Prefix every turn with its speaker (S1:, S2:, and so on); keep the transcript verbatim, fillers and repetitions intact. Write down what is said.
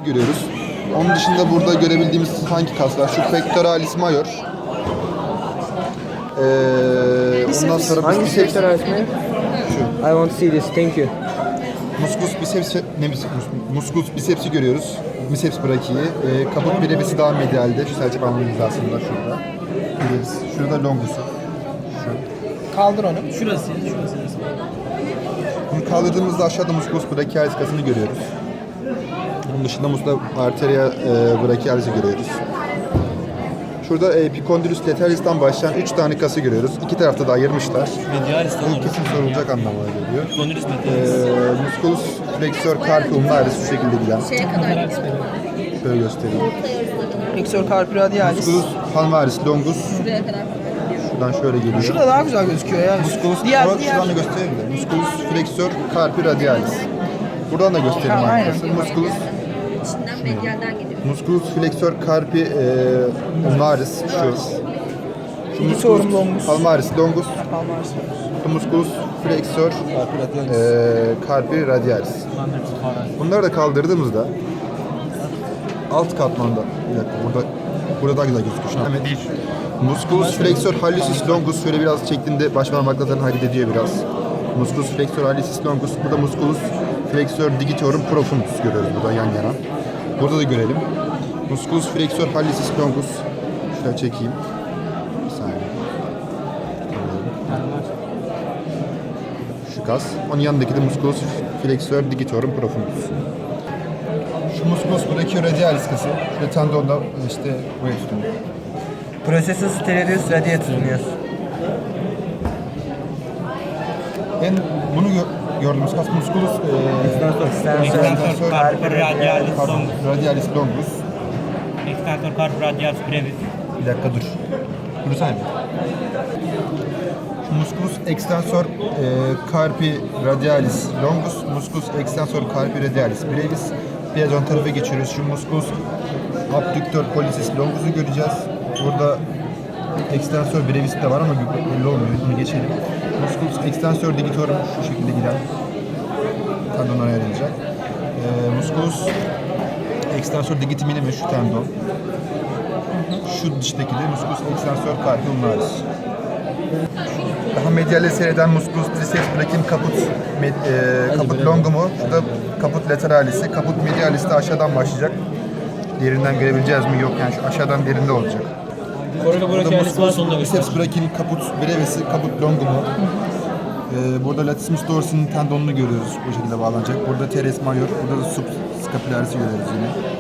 S1: görüyoruz. Onun dışında burada görebildiğimiz hangi kas var? Şu pectoralis major. Ee, ondan sonra
S2: Hangi
S1: biceps,
S2: sektör öğretmeni?
S1: şu.
S2: I want to see this. Thank you.
S1: Musculus biceps, ne biceps? Musculus biceps'i görüyoruz. Biceps brachiyi. Ee, kaput brevisi daha medialde. Şu serçe parmağının hizasında şurada. Brevis. Şurada longusu. Şu.
S3: Kaldır onu.
S4: Şurası, şurası.
S1: Bunu kaldırdığımızda aşağıda musculus brachialis kasını görüyoruz. Onun dışında musculus arteria e, brachialis'i görüyoruz. Şurada epicondylus lateralis'ten başlayan üç tane kası görüyoruz. İki tarafta da ayırmışlar.
S4: Medialis
S1: Bu kesin sorulacak anlamına geliyor.
S4: Epicondylus
S1: Ee,
S4: medialis.
S1: musculus flexor carpi ulnaris şu şekilde giden.
S5: Şeye kadar gidiyor.
S1: Şöyle göstereyim.
S3: Flexor carpi radialis.
S1: Musculus palmaris longus.
S5: Şuraya kadar.
S1: Şuradan şöyle geliyor.
S3: Şurada daha güzel gözüküyor ya.
S1: Musculus,
S3: diğer
S1: şuradan
S3: diğer.
S1: da göstereyim de. Musculus flexor carpi radialis. Buradan da göstereyim
S3: Ha, aynen.
S1: arkadaşlar. Musculus,
S5: İçinden medyalden geliyor.
S1: musculus flexor carpi e, ulnaris şu. Şu
S3: Digitorum longus.
S1: palmaris longus.
S3: Palmaris.
S1: Şu musculus flexor e, carpi radialis. Bunları da kaldırdığımızda alt katmanda, bir dakika burada burada daha güzel gözüküyor. Şimdi Ahmet, musculus flexor hallucis longus şöyle biraz çektiğinde baş parmaklarını hareket ediyor biraz. Musculus flexor hallucis longus, burada musculus flexor digitorum profundus görüyoruz burada yan yana. Burada da görelim. Musculus flexor hallucis longus. Şöyle çekeyim. Bir saniye. Şu kas. Onun yanındaki de musculus flexor digitorum profundus. Şu musculus brachioradialis kası. Şöyle tendonda işte buraya tutunuyor.
S2: Processus sterilius radiatus.
S1: En bunu gö- gördüğümüz kas musculus e,
S4: Extensor carpi radialis longus.
S1: radialis longus.
S4: Extensor carpi radialis brevis.
S1: Bir dakika dur. Dursana bir. Şu musculus extensor e, carpi radialis longus, musculus extensor carpi radialis brevis. Biraz ön tarafa geçiyoruz. Şu musculus abductor pollicis longus'u göreceğiz. Burada extensor brevis de var ama belli olmuyor. Bunu geçelim. Musculus extensor digitorum şu şekilde giden tendonlara ayrılacak. E, musculus extensor digitiminimi şu tendon. Şu dıştaki de musculus extensor carpi ulnaris. Daha medyalle seyreden musculus triceps brachi'nin kaput med, e, kaput longumu, şu da kaput lateralisi. Kaput medialis de aşağıdan başlayacak. Derinden görebileceğiz mi? Yok yani şu aşağıdan derinde olacak.
S4: Korona
S1: Burada
S4: brachialis var sonunda
S1: musculus
S4: göster.
S1: triceps brachi'nin kaput brevisi, kaput longumu. Ee, burada latissimus dorsi'nin tendonunu görüyoruz. Bu şekilde bağlanacak. Burada teres major, burada da subscapularis'i görüyoruz yine.